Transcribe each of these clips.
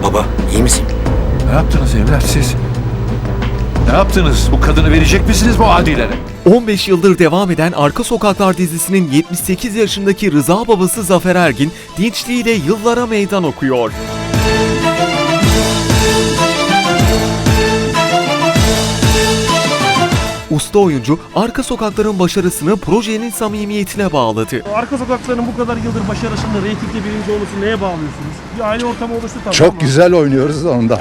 Baba iyi misin? Ne yaptınız evlat siz? Ne yaptınız? Bu kadını verecek misiniz bu adilere? 15 yıldır devam eden Arka Sokaklar dizisinin 78 yaşındaki Rıza babası Zafer Ergin, dinçliğiyle yıllara meydan okuyor. Usta oyuncu, Arka Sokaklar'ın başarısını projenin samimiyetine bağladı. Arka Sokaklar'ın bu kadar yıldır başarısında reytingde birinci olmasını neye bağlıyorsunuz? Bir aile ortamı oluştu tabii Çok ama. güzel oynuyoruz da ondan.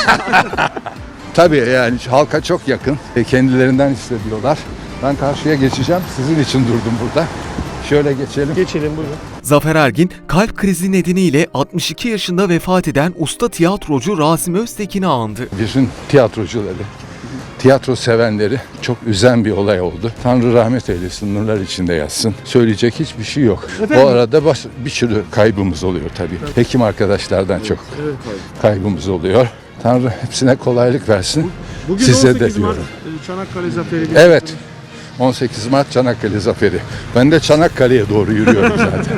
Tabii yani halka çok yakın. Kendilerinden hissediyorlar. Ben karşıya geçeceğim. Sizin için durdum burada. Şöyle geçelim. Geçelim buyurun. Zafer Ergin, kalp krizi nedeniyle 62 yaşında vefat eden usta tiyatrocu Rasim Öztekin'i andı. Bütün tiyatrocuları, tiyatro sevenleri çok üzen bir olay oldu. Tanrı rahmet eylesin, nurlar içinde yatsın. Söyleyecek hiçbir şey yok. Efendim? O arada bir sürü kaybımız oluyor tabii. Hekim arkadaşlardan çok kaybımız oluyor. Tanrı hepsine kolaylık versin. Bugün Size 18 de Mart diyorum. Çanakkale Zaferi. Evet. 18 Mart Çanakkale Zaferi. Ben de Çanakkale'ye doğru yürüyorum zaten.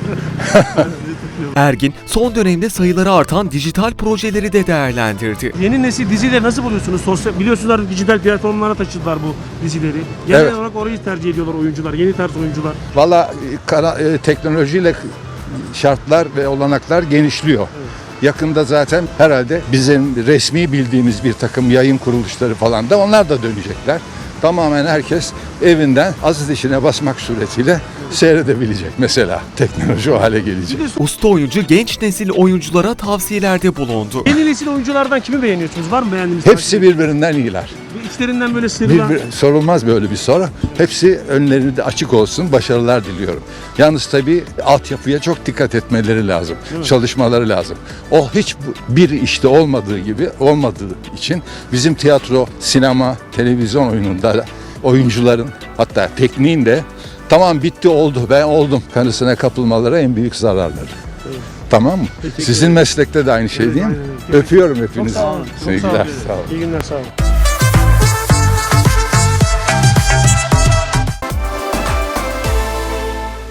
Ergin, son dönemde sayıları artan dijital projeleri de değerlendirdi. Yeni nesil dizileri nasıl buluyorsunuz? Biliyorsunuz dijital platformlara taşıdılar bu dizileri. Genel Evet. olarak orayı tercih ediyorlar oyuncular, yeni tarz oyuncular. Valla teknolojiyle şartlar ve olanaklar genişliyor. Yakında zaten herhalde bizim resmi bildiğimiz bir takım yayın kuruluşları falan da onlar da dönecekler. Tamamen herkes evinden aziz dişine basmak suretiyle seyredebilecek mesela. Teknoloji o hale gelecek. Usta oyuncu genç nesil oyunculara tavsiyelerde bulundu. Yeni nesil oyunculardan kimi beğeniyorsunuz? Var mı beğendiğiniz? Hepsi birbirinden iyiler. İçlerinden böyle sıyrılan. Sorulmaz böyle bir soru. Hepsi önleri de açık olsun. Başarılar diliyorum. Yalnız tabii altyapıya çok dikkat etmeleri lazım. Çalışmaları lazım. O hiç bir işte olmadığı gibi olmadığı için bizim tiyatro, sinema, televizyon oyununda oyuncuların hatta tekniğin de tamam bitti oldu ben oldum kanısına kapılmaları en büyük zararları. Tamam mı? Sizin meslekte de aynı şey değil mi? Aynen öyle. Öpüyorum Çok hepinizi. sağ olun. Çok sağ Sevgiler. olun. Sağ olun. İyi günler, sağ olun.